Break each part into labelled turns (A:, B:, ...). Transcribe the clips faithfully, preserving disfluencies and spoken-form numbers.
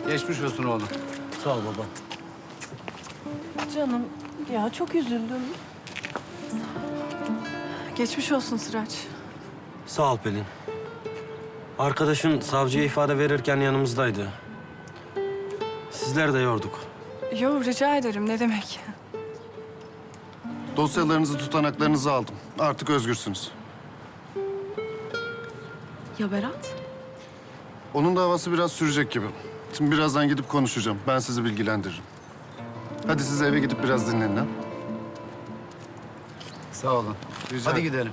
A: Geçmiş olsun oğlum.
B: Sağ ol baba.
C: Canım ya çok üzüldüm. Geçmiş olsun Sıraç.
B: Sağ ol Pelin. Arkadaşın savcıya ifade verirken yanımızdaydı. Sizler de yorduk.
C: Yo rica ederim ne demek.
D: Dosyalarınızı, tutanaklarınızı aldım. Artık özgürsünüz.
C: Ya Berat?
D: Onun davası biraz sürecek gibi. Şimdi birazdan gidip konuşacağım. Ben sizi bilgilendiririm. Hadi siz eve gidip biraz dinlenin ha.
A: Sağ olun.
D: Rica
A: Hadi
D: ederim.
A: gidelim.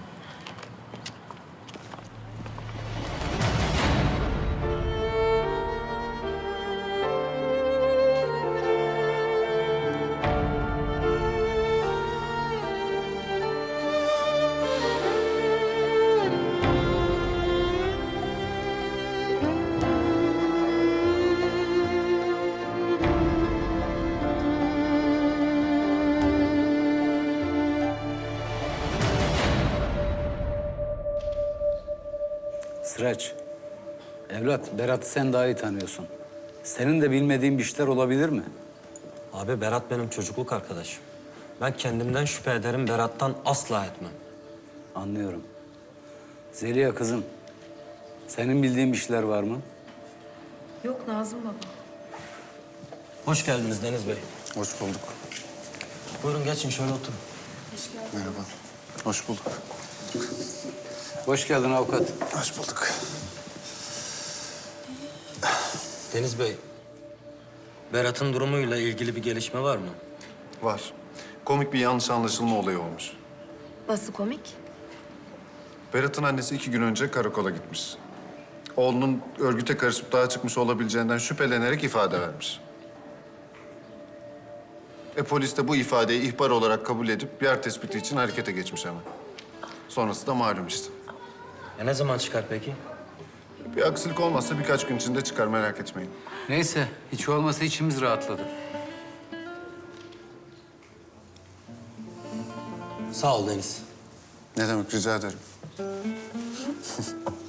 A: Sıraç, evlat Berat'ı sen daha iyi tanıyorsun. Senin de bilmediğin bir işler olabilir mi?
B: Abi Berat benim çocukluk arkadaşım. Ben kendimden şüphe ederim, Berat'tan asla etmem.
A: Anlıyorum. Zeliha kızım, senin bildiğin bir işler var mı?
E: Yok Nazım baba.
B: Hoş geldiniz Deniz Bey.
D: Hoş bulduk.
B: Buyurun geçin şöyle oturun.
D: Merhaba. Hoş bulduk.
A: Hoş geldin avukat.
D: Hoş bulduk.
B: Deniz Bey, Berat'ın durumuyla ilgili bir gelişme var mı?
D: Var. Komik bir yanlış anlaşılma olayı olmuş.
E: Nasıl komik?
D: Berat'ın annesi iki gün önce karakola gitmiş. Oğlunun örgüte karışıp dağa çıkmış olabileceğinden şüphelenerek ifade vermiş. E polis de bu ifadeyi ihbar olarak kabul edip yer tespiti için harekete geçmiş hemen. Sonrası da malum işte.
B: Ya ne zaman çıkar peki?
D: Bir aksilik olmazsa birkaç gün içinde çıkar, merak etmeyin.
A: Neyse, hiç olmasa içimiz rahatladı.
B: Sağ ol Deniz.
D: Ne demek, rica ederim.